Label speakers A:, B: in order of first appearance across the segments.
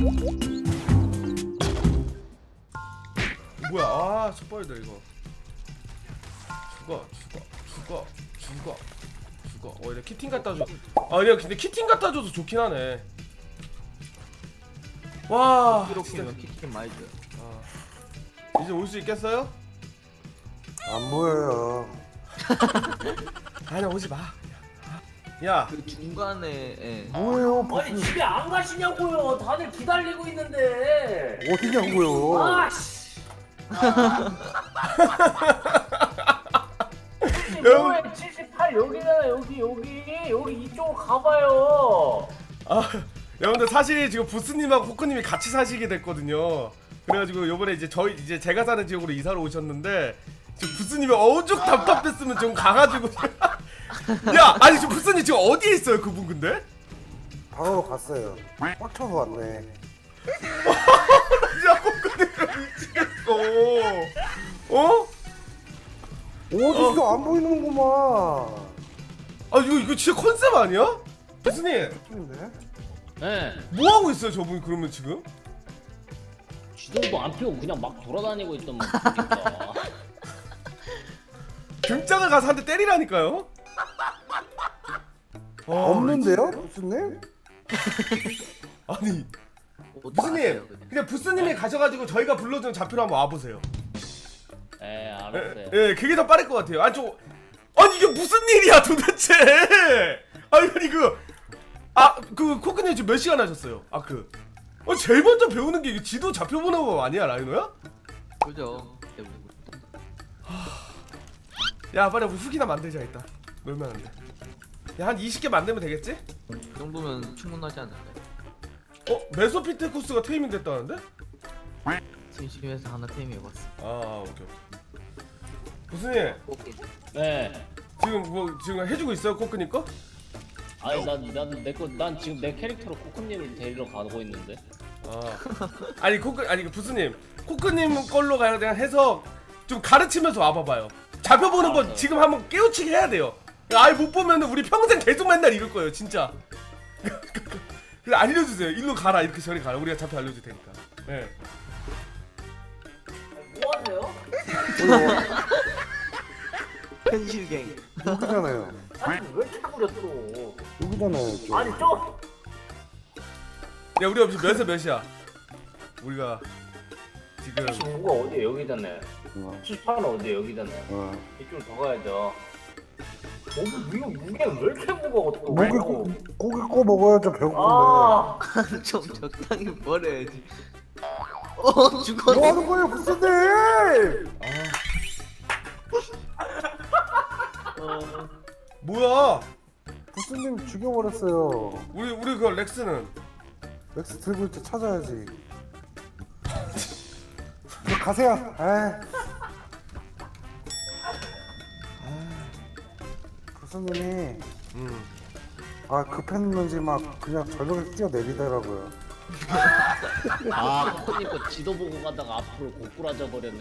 A: 뭐야? 아, 스포일더 이거. 죽어. 이래 키팅 갖다 줘. 아, 근데 키팅 갖다 줘도 좋긴 하네. 와,
B: 이렇게면 키팅 많이 줘요.
A: 이제 올 수 있겠어요?
C: 안 보여요.
A: 아니, 오지 마. 야,
B: 그 중간에 예.
C: 뭐예요?
D: 아니 집에 안 가시냐고요. 다들 기다리고 있는데.
C: 어디냐고요?
D: 아씨.
A: 여러분.
D: 78 여기잖아. 여기 이쪽으로 가봐요.
A: 아, 여러분들 사실 지금 부스님하고 코크님이 같이 사시게 됐거든요. 그래가지고 요번에 이제 제가 사는 지역으로 이사를 오셨는데 지금 부스님이 어죽 답답했으면 좀 가가지고 야, 아니 지금 부스님 지금 어디에 있어요 그분 근데?
C: 바로 갔어요. 꽉 쳐서 왔네.
A: 진짜 코크님 미치겠어. 어?
C: 어디서 안 보이는구만.
A: 아 이거 진짜 컨셉 아니야? 부스님
C: 근데?
D: 네.
A: 뭐 하고 있어요 저분 그러면 지금?
D: 지도도 안 피고 그냥 막 돌아다니고 있던 분이니까.
A: 등장을 가서 한 대 때리라니까요?
C: 없는데요? 부스님?
A: 아니
B: 어디
A: 부스님
B: 갔어요, 그냥?
A: 그냥 부스님이 가셔가지고 저희가 불러준 좌표로 한번 와보세요.
D: 네, 알았어요.
A: 예, 그게 더 빠를 것 같아요. 아니 이게 무슨 일이야 도대체? 아니 그 코크님 지금 몇 시간 하셨어요? 제일 먼저 배우는 게 이게 지도 좌표 보는 거 아니야 라이노야?
B: 그죠? 대부분.
A: 야 빨리 우리 훅이나 만들자 일단. 놀면 안 돼. 야 한 20개 만들면 되겠지?
B: 이 정도면 충분하지 않을까요?
A: 메소피테쿠스가 테이밍 됐다는데?
B: 심심해서 하나 테임해봤어.
A: 아 오케이. 무슨 일?
B: 오케이.
D: 네.
A: 지금 해주고 있어요 코크님 거?
D: 아니 난 지금 내 캐릭터로 코코님을 데리러 가고 있는데.
A: 아니 부스님 코크님 걸로 그냥 해서 좀 가르치면서 와봐봐요. 잡혀 보는 거 지금 한번 깨우치게 해야 돼요. 아예 못 보면 우리 평생 계속 맨날 이럴 거예요 진짜. 그래 알려주세요. 일로 가라 이렇게 저리 가라. 우리가 잡혀 알려줄 테니까. 네.
D: 뭐 하세요?
B: 현실갱.
C: 여기잖아요.
D: 아니 왜 이렇게 부려 또?
C: 여기잖아요. 이쪽.
D: 아니 좀.
A: 야 우리가 지금 몇에 몇이야? 우리가 지금
D: 75가 어디에 여기잖아요. 78은 어디에 여기잖아요.
C: 어.
D: 이쪽으로 더 가야죠. 이거 무게 왜 이렇게 무거워 또?
C: 고기 꺼 먹어야죠. 배고픈데.
D: 아.
B: 좀 적당히 버려야지.
C: 뭐
B: 죽었어.
C: 하는 거예요, 부스님?
A: 뭐야?
C: 부스님 죽여버렸어요.
A: 우리 그 렉스는
C: 렉스 들고 있지 찾아야지. 가세요. 부스님이 급했는지 막 그냥 절벽에 뛰어내리더라고요.
D: 아, 코코님 거 지도 보고 가다가 앞으로 고꾸라져 버렸네.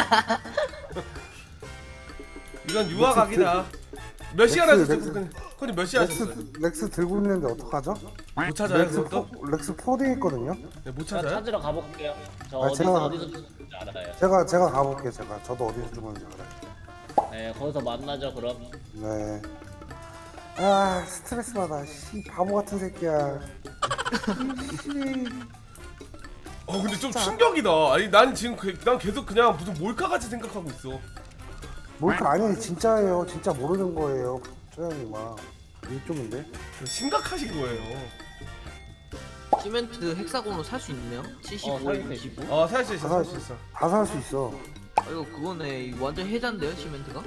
A: 이건 유아각이다. 몇 시간 하셨어요?
C: 렉스.
A: 코크님 몇 시간 하셨어요?
C: 렉스 들고 있는데 어떡하죠?
A: 못 찾아요 그것도?
C: 렉스 포딩 있거든요.
A: 네, 못
D: 제가
A: 찾아요?
D: 찾으러 가볼게요. 저
C: 아, 제가-
D: 어디서 죽는지 알아요.
C: 제가 가볼게요. 저도 어디서 죽었는지 알아요.
D: 네, 거기서 만나죠 그럼.
C: 네. 스트레스 받아. 씨 바보 같은 새끼야.
A: 근데 좀 충격이다. 아니 난 지금 난 계속 그냥 무슨 몰카같이 생각하고 있어.
C: 몰카 아니 진짜예요. 진짜 모르는 거예요. 초양이마 이쪽인데.
A: 심각하신 거예요.
B: 시멘트 헥사곤으로 살 수 있네요? 75에
D: 살 수
B: 25?
A: 살 수 있어, 살 수 있어.
C: 다 살 수 있어.
B: 이거 그거네. 이거 완전 해잔데요 시멘트가?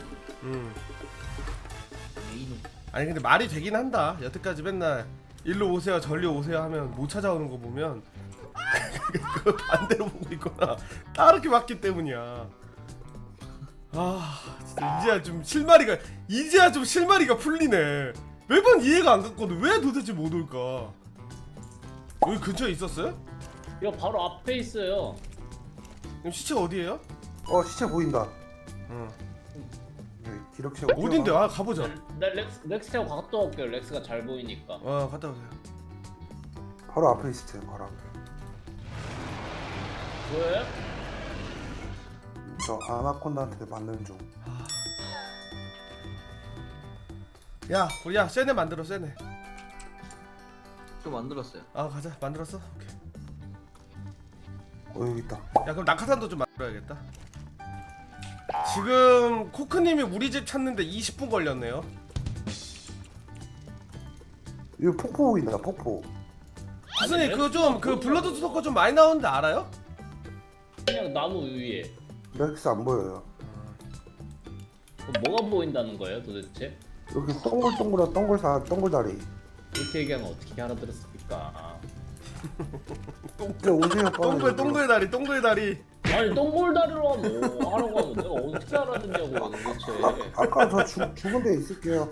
B: 이놈.
A: 아니 근데 말이 되긴 한다. 여태까지 맨날 일로 오세요, 절로 오세요 하면 못 찾아오는 거 보면 그거 반대로 보고 있거나 다르게 봤기 때문이야. 진짜 이제야 좀 실마리가 풀리네. 매번 이해가 안 갔거든. 왜 도대체 못 올까? 여기 근처에 있었어요?
D: 이거 바로 앞에 있어요.
A: 그럼 시체 어디에요?
C: 시체 보인다.
A: 응.
C: 기록체
A: 어딘데? 가보자.
D: 나 렉스 태워 갔다 올게요. 렉스가 잘 보이니까.
A: 갔다 오세요.
C: 바로 앞에 있어요. 바로 앞에.
D: 왜?
C: 저 아나콘다한테 맞는 중.
A: 야 우리야 세네 만들어 세네.
B: 또 만들었어요.
A: 아 가자 만들었어. 오케이.
C: 여기 있다.
A: 야 그럼 낙하산도 좀 만들어야겠다. 지금 코크님이 우리 집 찾는데 20분 걸렸네요.
C: 이거 폭포 보인다. 폭포.
A: 무슨이 그거 좀 그 블러드 스토커 좀 많이 나오는데 알아요?
D: 그냥 나무 위에.
C: 렉스 안 보여요.
D: 그럼 뭐가 보인다는 거예요 도대체?
C: 여기 동글동글한 동글다리.
D: 이렇게 얘기하면 어떻게 알아들었습니까?
C: 이제 오세요. 빨리.
A: 동글 다리.
D: 아니 똥볼다리로 뭐 하라고 하면 내가 어떻게 알아듣냐고 도대체.
C: 아까 저 죽은 데 있을게요.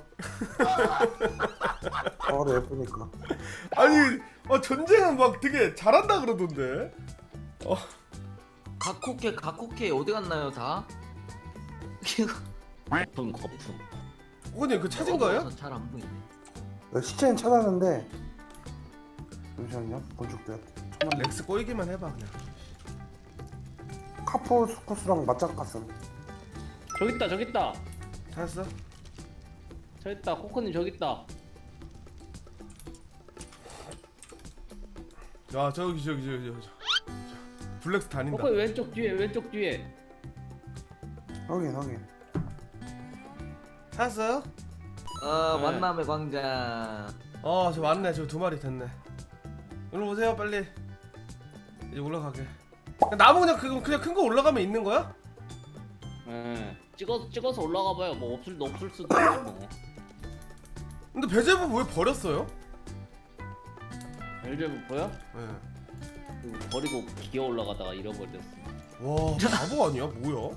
C: 바로 예쁘니까.
A: 아니 전쟁은 막 되게 잘한다 그러던데.
B: 각호케 어디 갔나요 다?
D: 거품.
A: 코크님 그 찾은 거예요?
B: 잘안 보이네.
C: 시체는 찾았는데 잠시만요. 본죽들.
A: 렉스 꼬이기만 해봐 그냥.
C: 카포스쿠스랑 맞짱 갔음.
D: 저기 있다.
A: 찾았어?
D: 저기 있다. 코코님 저기 있다.
A: 야 저기 블랙스 다닌다.
D: 코코님 왼쪽 뒤에.
C: 확인.
A: 찾았어요?
B: 아
D: 네.
B: 만남의 광장.
A: 저 맞네. 저 2마리 됐네. 일로 오세요 빨리. 이제 올라가게. 나무 그냥 큰 거 올라가면 있는 거야?
D: 예. 찍어서 올라가봐요. 뭐 없을 수도 있고 뭐.
A: 근데 배제부 왜 버렸어요?
D: 벨제부 보여?
A: 네.
D: 그거 버리고 기어 올라가다가 잃어버렸어.
A: 와 바보 아니야 뭐야?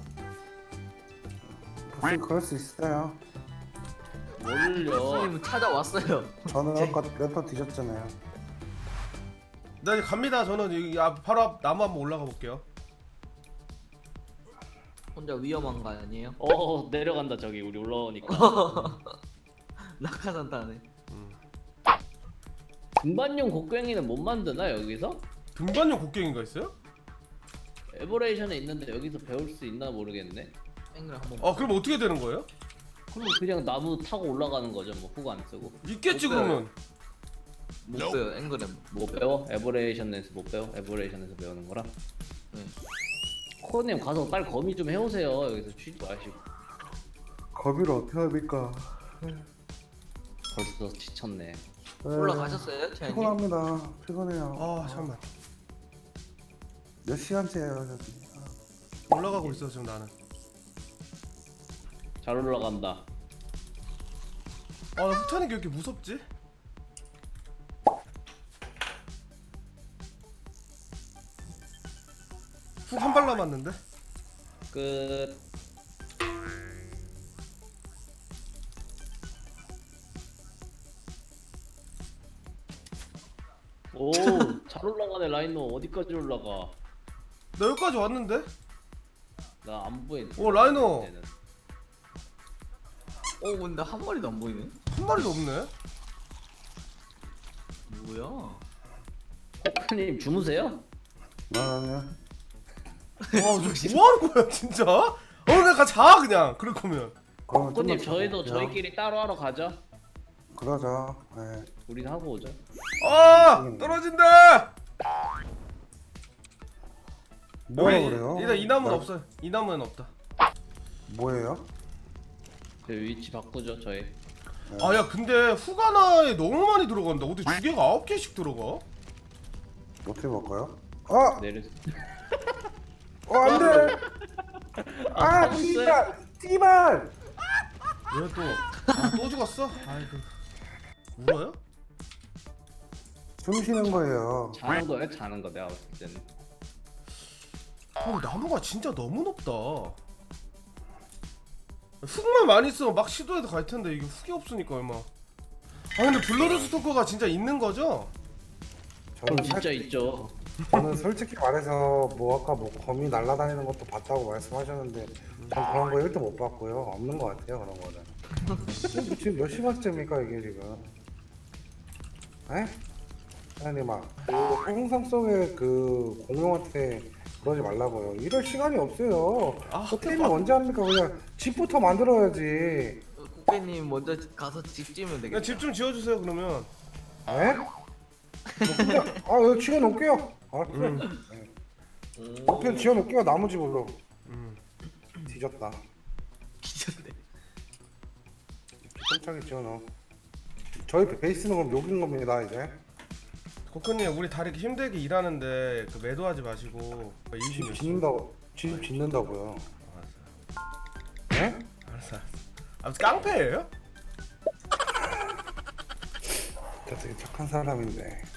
C: 무슨 그럴 수 있어요.
D: 뭘요?
B: 교수님 찾아왔어요.
C: 저는 아까 랜턴 뒤졌잖아요.
A: 나 이제 갑니다. 저는 여기 바로 앞 나무 한번 올라가 볼게요.
B: 혼자 위험한 거 아니에요?
D: 내려간다 저기 우리 올라오니까.
B: 낙하산 타네.
D: 등반용 곡괭이는 못 만드나 여기서?
A: 등반용 곡괭이가 있어요?
D: 에버레이션에 있는데 여기서 배울 수 있나 모르겠네.
B: 앵글 한번.
A: 그럼 어떻게 되는 거예요?
D: 그럼 그냥 나무 타고 올라가는 거죠. 뭐 훅 안 쓰고.
A: 있겠지
B: 없어요.
A: 그러면.
B: 못 써요 앵글에.
D: 못 배워? 에버레이션에서 못 배워? 에버레이션에서 배우는 거라?
B: 네.
D: 코어님 가서 빨리 거미 좀 해오세요. 여기서 쉬지 마시고.
C: 거미를 어떻게 합니까?
D: 벌써 지쳤네.
B: 올라가셨어요 태양님?
C: 피곤합니다. 피곤해요.
A: 잠깐만.
C: 몇 시간째예요 저기.
A: 올라가고 있어 지금 나는.
D: 잘 올라간다.
A: 나 후타는 게 왜 이렇게 무섭지? 훅 한 발 남았는데?
D: 끝. 오, 잘 올라가네 라이노. 어디까지 올라가?
A: 나 여기까지 왔는데?
D: 나 안 보이네.
A: 오, 라이노.
D: 얘는.
B: 근데 한 마리도 안 보이네.
A: 한 마리도 없네?
B: 뭐야?
D: 코크님 주무세요?
C: 아니요.
A: 저 뭐하는 거야 진짜? 내가 자 그냥 그럴 거면.
C: 그러면
D: 코크님
C: 좀만
D: 저희도
C: 자볼게요.
D: 저희끼리 따로 하러 가죠.
C: 그러자. 네.
D: 우리는 하고 오죠.
A: 떨어진다!
C: 뭐라
A: 여기
C: 그래요?
A: 일단 이 나무는
C: 나-
A: 없어요. 이 나무는 없다.
C: 뭐예요?
D: 저 위치 바꾸죠 저희.
A: 야 근데 후가나에 너무 많이 들어간다. 어디 두 개가 9개씩 들어가?
C: 어떻게 볼까요?
D: 내려.
C: 안돼.
D: 타봤어요?
C: 띠발.
A: 왜 또 죽었어? 아이고 울어요?
C: 숨 쉬는 거예요.
D: 자는 거야? 자는 거 내가 봤을 때는.
A: 나무가 진짜 너무 높다. 훅만 많이 쓰면 막 시도해도 갈 텐데 이게 훅이 없으니까 얼마. 근데 블러드 스토커가 진짜 있는 거죠?
D: 진짜 있죠.
C: 저는 솔직히 말해서 뭐 아까 뭐 거미 날아다니는 것도 봤다고 말씀하셨는데 전 그런 거 1도 못 봤고요. 없는 것 같아요 그런 거는. 지금 몇 시간째입니까 이게 지금? 에? 아니 막 그 행성 속에 그 공룡한테 그러지 말라고요. 이럴 시간이 없어요.
A: 아,
C: 게임을 언제 합니까? 그냥 집부터 만들어야지.
B: 코끼님 먼저 가서 집 지으면 되겠다.
A: 집 좀 지어주세요 그러면.
C: 에? 뭐 그냥 이거 지어놓을게요. 알았어요. 옆에 지어놓을게요. 나무 집으로. 뒤졌다.
B: 기절돼.
C: 꼼짝이 지어놓어. 저희 베이스는 그럼 욕인 겁니다 이제.
A: 코크님 우리 다 이렇게 힘들게 일하는데 그 매도하지 마시고
C: 집
A: 열심히.
C: 짓는다고. 집 짓는다고요.
A: 알았어요.
C: 에?
A: 알았어. 아 무슨 깡패예요?
C: 저 되게 착한 사람인데.